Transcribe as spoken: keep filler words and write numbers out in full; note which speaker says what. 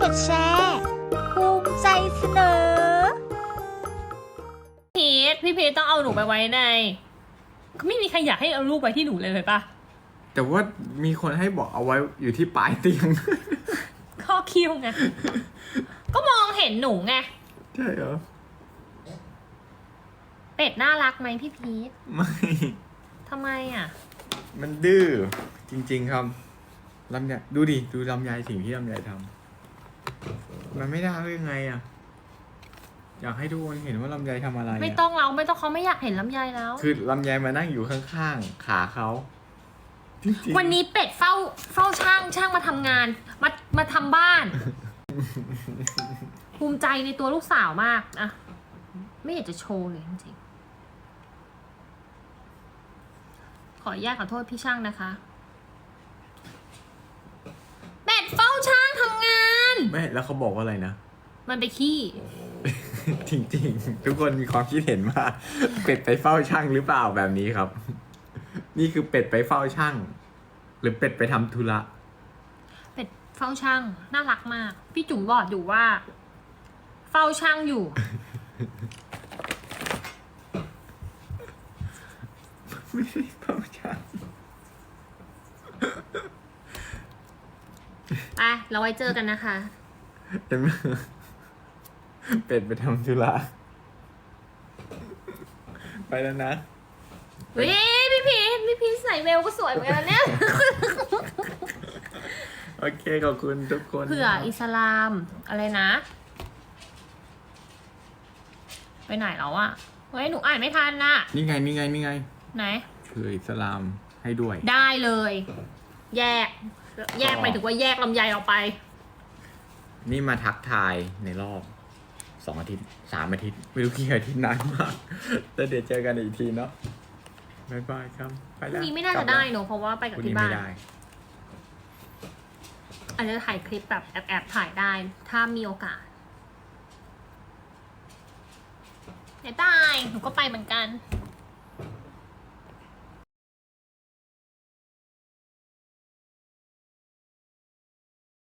Speaker 1: ดแชร์ภูมิใจเสนอ
Speaker 2: พีทพี่พีทต้องเอาหนูไปไว้ในไม่มีใครอยากให้เอาลูกไปที่หนูเลยเลยปะ
Speaker 3: แต่ว่ามีคนให้บอกเอาไว้อยู่ที่ปลายเตียง
Speaker 2: ข้อคิ้วไง ก็มองเห็นหนูไง
Speaker 3: ใช่เหรอ
Speaker 2: เป็ดน่ารักไหมพี่พีท
Speaker 3: ไม่
Speaker 2: ทำไมอ่ะ
Speaker 3: มันดื้อจริงๆครับลำไยดูดิดูลำไยสิ่งที่ลำไยทำมันไม่ได้ได้ยังไงอ่ะอยากให้ทุกคนเห็นว่าลำไยทำอะไระ
Speaker 2: ไม่ต้องเราไม่ต้องเขาไม่อยากเห็นลำไยแล้ว
Speaker 3: คือลำไยมานั่งอยู่ข้างๆขาเขาจริงๆ
Speaker 2: วันนี้เป็ดเฝ้าเฝ้าช่างช่างมาทำงานมามาทำบ้าน ภูมิใจในตัวลูกสาวมากอะไม่อยากจะโชว์เลยจริงๆขออนุญาตขอโทษพี่ช่างนะคะเป็ดเฝ้าช่างทำงาน
Speaker 3: ไม่แล้วเขาบอกว่าอะไรนะ
Speaker 2: มันไปขี้
Speaker 3: จริงๆ ทุกคนมีความคิดเห็นว่า เป็ดไปเฝ้าช่างหรือเปล่าแบบนี้ครับ นี่คือเป็ดไปเฝ้าช่าง หรือเป็ดไปทำธุระ
Speaker 2: เป็ดเฝ้าช่างน่ารักมาก พี่จุ๋มบอกอยู่ว่า เฝ้าช่างอยู่
Speaker 3: ไม่ใช่เฝ้าช่าง
Speaker 2: ไปเราไว้เจอกันนะคะ
Speaker 3: เห็นไหมเป็ดไปทำธุระไปแล้วนะ
Speaker 2: เฮ้ยพี่พีชพี่พีชใส่เวลก็สวยเหมือนกันเนี่ย
Speaker 3: โอเคขอบคุณทุกคน
Speaker 2: เผื่ออิสลามอะไรนะ ไปไหนแล้วอะเฮ้ยหนูอ่านไม่ทันน่ะ
Speaker 3: นี่ไงนี่ไงนี่ไง
Speaker 2: ไหน
Speaker 3: เผื่ออิสลามให้ด้วย
Speaker 2: ได้เลย แยก แยกไปถึงว่าแยกลำไยออกไป
Speaker 3: นี่มาทักทายในรอบสองอาทิตย์สามอาทิตย์ไม่รู้กี่อาทิตย์นานมากแต่เดี๋ยวเจอกันอีกทีเนาะบ๊ายบายครับไป
Speaker 2: พ
Speaker 3: แล้
Speaker 2: รุ่
Speaker 3: ว
Speaker 2: งนี้ไม่น่าจะได้เนอะเพราะว่าไปกับ
Speaker 3: พรุ่ง
Speaker 2: ที่
Speaker 3: นี้
Speaker 2: บ้า
Speaker 3: ไม่
Speaker 2: น
Speaker 3: ได้
Speaker 2: อาจจะถ่ายคลิปแบบแอบแอบถ่ายได้ ถ้ามีโอกาสเดี๋ยวตายหนูก็ไปเหมือนกัน